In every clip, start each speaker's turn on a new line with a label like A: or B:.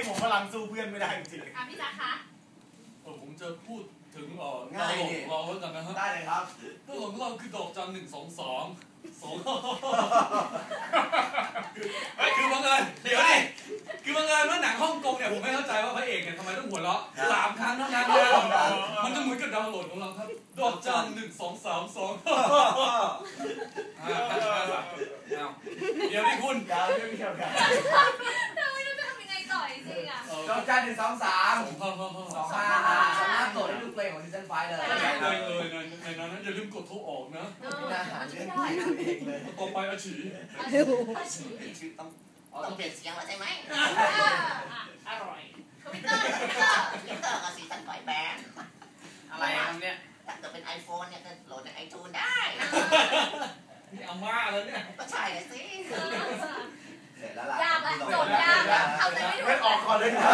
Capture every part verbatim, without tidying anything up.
A: ผมพลังสู้เพื่อนไม่ได้จริง
B: ๆอ่ะพี่จ๊ะคะ
C: เออผมจะพูดถึงเอ่อง่ายนี่เราแล้วกันนะฮะ
A: ได้เลยครับ
C: ตัวของเราคือดอกจันหนึ่งสองสองสองเฮ้ยคือบังเอิญเดี๋ยวดิคือบังเอิญว่าหนังฮ่องกงเนี่ยผมไม่เข้าใจว่าพระเอกเนี่ยทำไมต้องหัวเราะสามครั้งเท่านั้นนะมันจะเหมือนกับดาวน์โหลดของเราครับดอกจันหนึ่งสองสามสองเดี๋ยวดิคุณ
A: ยาวเรื่องเดียวกัน
B: เราไม่รู้จะทำยังไงต่อจริงๆอ่ะ
A: ดอกจันหนึ่งสองสาม
C: สอง
A: ห้าสามารถโหลดได้ดูเพลงของซีซั่นไฟเลย
C: เลยเลยในนั้นอย่าลืมกดโทรออกนะ
A: มีอาหารเรื่องที่ตัวเองเลย
C: ต่อไปอาชี
B: อาชี
A: ชื่อต้อง
D: ต้องเปลี่ยนเสียงแล้วใช่ไหม
B: อร่อยทวิตเตอร์ทวิตเตอร์
D: ทวิตเตอร์กับซีซั่นไฟแบน
A: อะไรเนี่ย
D: ถ้าเกิดเป็น ไอโฟน เนี่ยก็โหลดจากไอจูนได้
C: นี่อาม่าแล้วเนี่ย
D: ก็ใช่เลยสิ
A: เสร็จแล้วล่ะ
B: ยากละโจทย์ยากละทำอะไรไม่ถูก
A: ออกก่อนเลยนะ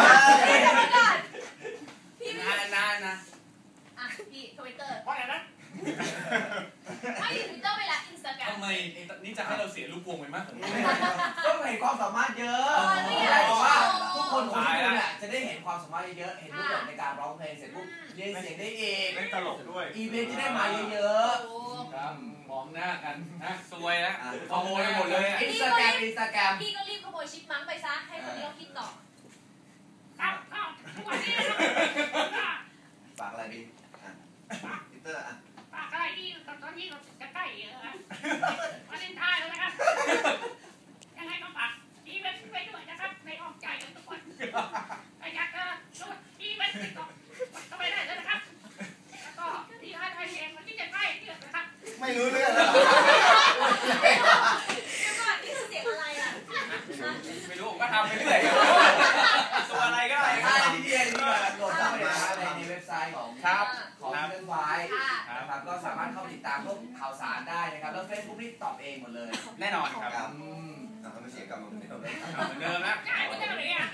B: พี่
A: นานนานนะ
B: อ่ะพี่ทวิตเตอร์
A: ว่าไงนะ
B: ไม่ทวิตเตอร์ไปละอินสตาแกรม
C: ทำไมนี่จะให้เราเสียลูกวงไปมั้ย
A: ก็เห็นความสามารถเยอะแต่ว่าทุกคนของคุณเนี่ยจะได้เห็นความสามารถเยอะเห็นรูปแบบในการร้องเพลงเสร็จปุ๊บเรียนเสียงได้เอง
E: เล่นตลกด้วย
A: อีเวนต์จะได้มาเยอะ
C: ๆครับมองหน้ากันนะ
E: สวยแล้ว
C: ขโมยหมดเลย
A: อินสตาแกรมอินสตาแกรม
B: พี่ก็รีบขโมยชิปมังไปซะให้คนนี้เขาคิดต่อ
F: ครับก็ทุกวันนี้
A: ฝากอะไรดีพีเตอร์อ่ะ
F: ฝากอะไรดีตอนนี้เราจะใกล้วันเลนไทน์แล้วนะครับยังไงก็ฝากอีเวนต์ไปด้วยนะครับในอ้อมใจกันทุกคนอยากจะดูอีเวนต์ก็ก็ไปได้เลยนะครับแล้วก็ที่ไทยไทยเองวันที่จะใกล้เดือนนะครับ
A: ไม่รู้เรื่องแล้ว
B: เดี๋ยวก่อนนี่คือเสียงอะไรอ่ะ
E: ไม่รู้ผมก็ทำไปเรื่อยตัวอะไรก็ได้
A: ใช่ที่เดียนนี่โหลดเข้าไปในเว็บไซต์ของ
E: ครับ
A: ของเรื่องไฟนะครับก็สามารถเข้าติดตามพวกข่าวสารได้นะครับแล้ว Facebook นี่ตอบเองหมดเลย
E: แน่นอนครับ
A: อืมทำให้เสียกรรมเหมือนเดิม
E: เหมือนเดิมนะ
F: ใช่เหมือนเดิมเลยอ่ะ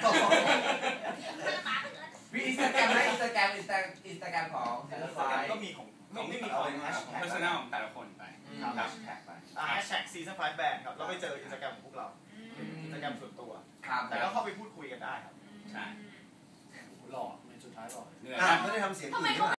A: มีอินสตาแกรมไหมอินสตาแกรมอินสตาอินสตาแกรมของเรื่องไฟ
E: ก็มีของของไม่มีของแฮชแท็ก personal ของแต่ละคนไป
A: ครับแท็กไป
E: แฮชแท็กซีซั่นไฟแบนด์ครับแล้วไปเจออินสตาแกรมของพวกเราอินสตาแกรมส่วนตัวแต่ก็เข้าไปพูดคุยกันได้ครับ
C: ใช่หล่อในสุดท้ายหล่อ
E: เหนื่อยไม่ได้ทำเสียงอื่น